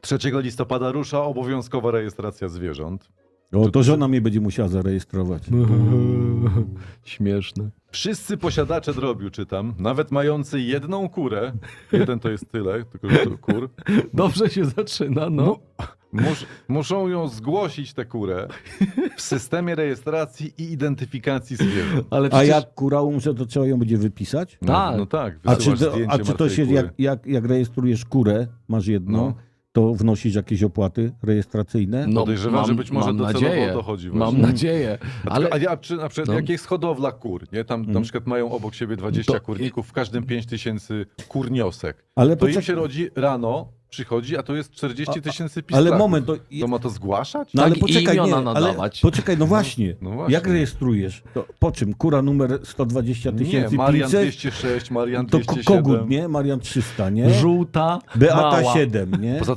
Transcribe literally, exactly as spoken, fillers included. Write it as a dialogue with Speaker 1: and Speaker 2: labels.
Speaker 1: trzeciego listopada rusza obowiązkowa rejestracja zwierząt.
Speaker 2: O, to żona mnie będzie musiała zarejestrować.
Speaker 3: Śmieszne.
Speaker 1: Wszyscy posiadacze drobiu, czytam, nawet mający jedną kurę, jeden to jest tyle, tylko że to kur,
Speaker 3: Dobrze się zaczyna, no.
Speaker 1: mu, mus, muszą ją zgłosić, tę kurę, w systemie rejestracji i identyfikacji zwierząt.
Speaker 3: Ale
Speaker 2: A
Speaker 3: przecież...
Speaker 2: jak kura umrze, to trzeba ją będzie wypisać?
Speaker 1: No
Speaker 3: Tak.
Speaker 1: no tak,
Speaker 2: A czy,
Speaker 1: wysyłasz
Speaker 2: to,
Speaker 1: zdjęcie
Speaker 2: a czy to
Speaker 1: martwej
Speaker 2: się,
Speaker 1: kury.
Speaker 2: jak, jak, jak rejestrujesz kurę, masz jedną,
Speaker 1: No.
Speaker 2: to wnosisz jakieś opłaty rejestracyjne?
Speaker 3: No,
Speaker 1: Podejrzewam, że być może
Speaker 3: mam
Speaker 1: docelowo
Speaker 3: nadzieję,
Speaker 1: o to chodzi
Speaker 3: Mam
Speaker 1: właśnie.
Speaker 3: nadzieję.
Speaker 1: A,
Speaker 3: Ale...
Speaker 1: ale... a ja, czy na przykład
Speaker 3: No.
Speaker 1: jak jest hodowla kur, nie? Tam na przykład mają obok siebie dwadzieścia
Speaker 3: To-
Speaker 1: kurników, w każdym pięć tysięcy kurniosek.
Speaker 2: Ale
Speaker 1: To im
Speaker 2: poczek-
Speaker 1: się rodzi rano, przychodzi, a to jest czterdzieści tysięcy pistraków.
Speaker 2: Ale moment, to,
Speaker 1: To ma to zgłaszać?
Speaker 2: no ale
Speaker 3: Tak, i
Speaker 2: poczekaj, nie,
Speaker 3: imiona
Speaker 2: ale
Speaker 3: nadawać.
Speaker 2: poczekaj, no właśnie,
Speaker 1: no właśnie.
Speaker 2: jak rejestrujesz? To po czym? Kura numer sto dwadzieścia
Speaker 1: Nie,
Speaker 2: tysięcy
Speaker 1: Marian
Speaker 2: pięćset?
Speaker 1: dwieście sześć, Marian
Speaker 2: To
Speaker 1: dwieście
Speaker 2: ko- kogut,
Speaker 1: siedem.
Speaker 2: nie? Marian trzysta, nie?
Speaker 3: Żółta,
Speaker 2: Beata
Speaker 3: mała.
Speaker 2: siedem, nie?
Speaker 1: Poza